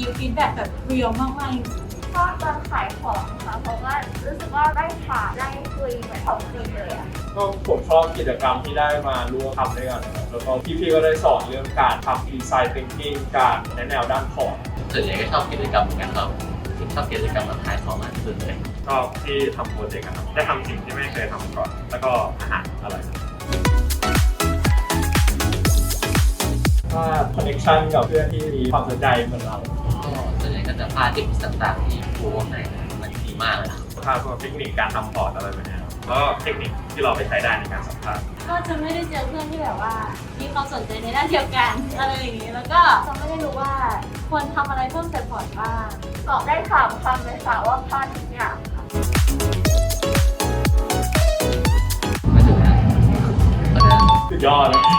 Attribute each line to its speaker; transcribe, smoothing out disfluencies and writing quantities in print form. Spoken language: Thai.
Speaker 1: ฟีดแบ็กแบบเรียลมากๆ
Speaker 2: ชอบตอนขายของค่ะเพราะว่ารู้สึกว่าได้ขายได้คุยเหมือนของจริงเลยอะ
Speaker 3: ก็ผมชอบกิจกรรมที่ได้มาร่วมทำด้วยกันนะครับแล้วก็พี่ๆก็ได้สอนเรื่องการทำดีไซน์ thinking การแนะแนวด้านคอร์ด
Speaker 4: ส่วนใหญ่ก็ชอบกิจกรรมเหมือนกันครับชอบกิจกรรมแบบขายของมากที่สุดเลย
Speaker 5: ชอบที่ทำโปรเจกต์ครับได้ทำสิ่งที่ไม่เคยทำมาก่อน แล้วก็อาหารอร่อย
Speaker 3: ถ้า connection กับเพื่อนที่มีความสนใจเหมือนเรา
Speaker 4: ก็ส่วนใหญ่ก็จะพาทิปต่างๆที่ครูให้มันดีมากเลยครับ
Speaker 5: พาพวกเทคนิคการทำพอร์ตอะไรแบบนี้ครับแล้วก็เทคนิคที่เราไปใช้ได้ในการสัมภาษณ์
Speaker 1: ก็จะไม่ได้เจอเพื่อนที่แบบว่า มีความสนใจในด้านเดียวกันอะไรอย่างนี้ แล้วก็จะไม่ได้รู้ว่าควรทำอะไรเพิ่มเติมพอร์ตบ้าง
Speaker 2: ตอบได้3 คำเลยค่ะว่าพลาดทุกอย่างค่ะ
Speaker 4: ไม่ถึงนะ
Speaker 3: สุดยอดนะ